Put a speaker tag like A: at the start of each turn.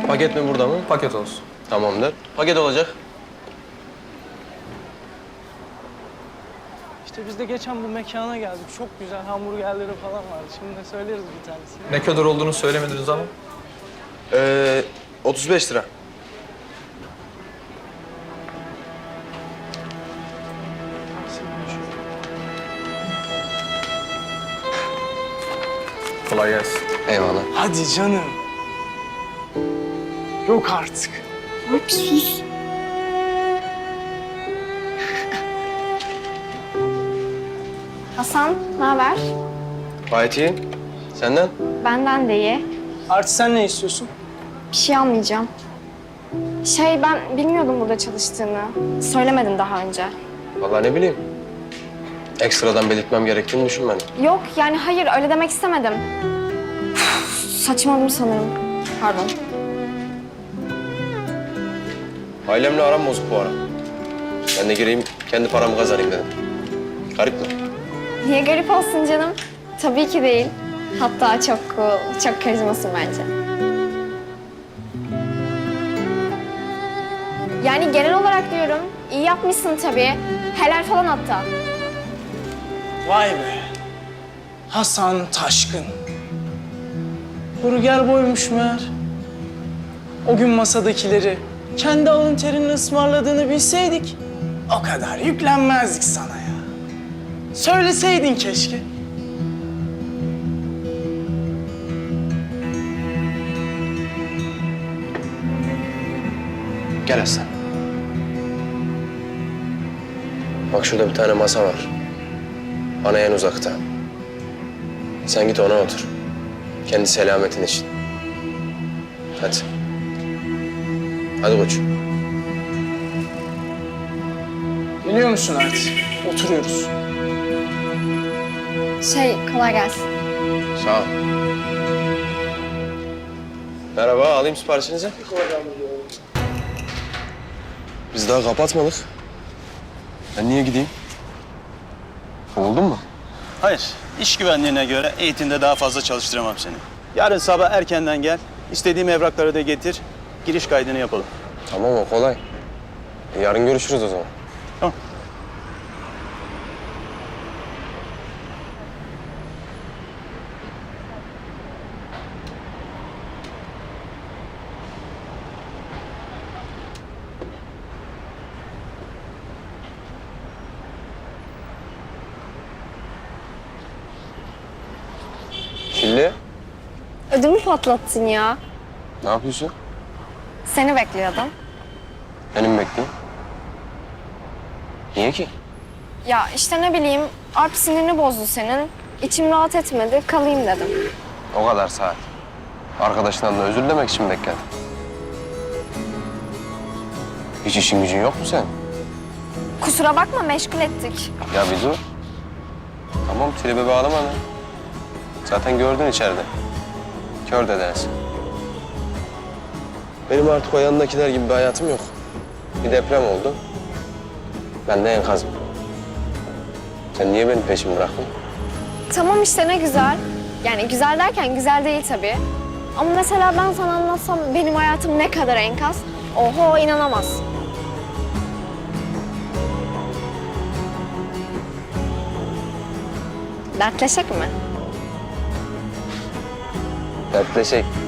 A: Paket mi burada mı?
B: Paket olsun.
A: Tamamdır. Paket olacak.
C: İşte biz de geçen bu mekana geldik. Çok güzel hamburgerleri falan vardı. Şimdi de söyleriz bir tanesini.
B: Ne kadar olduğunu söylemediniz ama.
A: 35 lira.
B: Kolay gelsin.
A: Eyvallah.
C: Hadi canım. Yok artık.
D: Alp sus. Hasan, ne haber?
A: Gayet iyi. Senden?
D: Benden de iyi.
C: Artı sen ne istiyorsun?
D: Bir şey almayacağım. Ben bilmiyordum burada çalıştığını. Söylemedin daha önce.
A: Vallahi ne bileyim. Ekstradan belirtmem gerektiğini düşünmedim.
D: Yok yani hayır öyle demek istemedim. Saçmaladım sanırım. Pardon.
A: Ailemle aram bozuk bu ara. Ben de gireyim, kendi paramı kazanayım dedim. Garip mi?
D: Niye garip olsun canım? Tabii ki değil. Hatta çok cool, çok karizmasın bence. Yani genel olarak diyorum, iyi yapmışsın tabii. Helal falan hatta.
C: Vay be. Hasan Taşkın. Burger boymuş meğer. O gün masadakileri kendi alın terinin ısmarladığını bilseydik o kadar yüklenmezdik sana ya. Söyleseydin keşke.
A: Gel Aslan. Bak şurada bir tane masa var. Bana en uzakta. Sen git ona otur. Kendi selametin için. Hadi. Hadi koçum.
C: Biliyor musun artık? Oturuyoruz.
D: Kolay gelsin.
A: Sağ ol. Merhaba, alayım siparişinizi. Biz daha kapatmadık. Ben niye gideyim? Kovuldun mu?
E: Hayır, iş güvenliğine göre eğitimde daha fazla çalıştıramam seni. Yarın sabah erkenden gel, istediğim evrakları da getir, giriş kaydını yapalım.
A: Tamam, o kolay. Yarın görüşürüz o zaman.
E: Tamam.
A: Çilli,
D: Ödümü patlattın ya.
A: ne yapıyorsun?
D: Seni bekliyordum.
A: Benim bekleyeyim. Niye ki?
D: Ya işte ne bileyim, Alp sinirini bozdu senin. İçim rahat etmedi, kalayım dedim.
A: O kadar saat. Arkadaşından da özür dilemek için bekledim. Hiç işin gücün yok mu sen?
D: Kusura bakma, meşgul ettik.
A: Ya bir dur. Tamam, tribe bağlama lan. Zaten gördün içeride. Kör de dersin. Benim artık o yanındakiler gibi bir hayatım yok. Bir deprem oldu. Ben de enkazım. Sen niye benim peşimi bıraktın?
D: Tamam işte ne güzel. Yani güzel derken güzel değil tabii. Ama mesela ben sana anlatsam benim hayatım ne kadar enkaz. Oho inanamazsın. Dertleşek mi?
A: Dertleşek.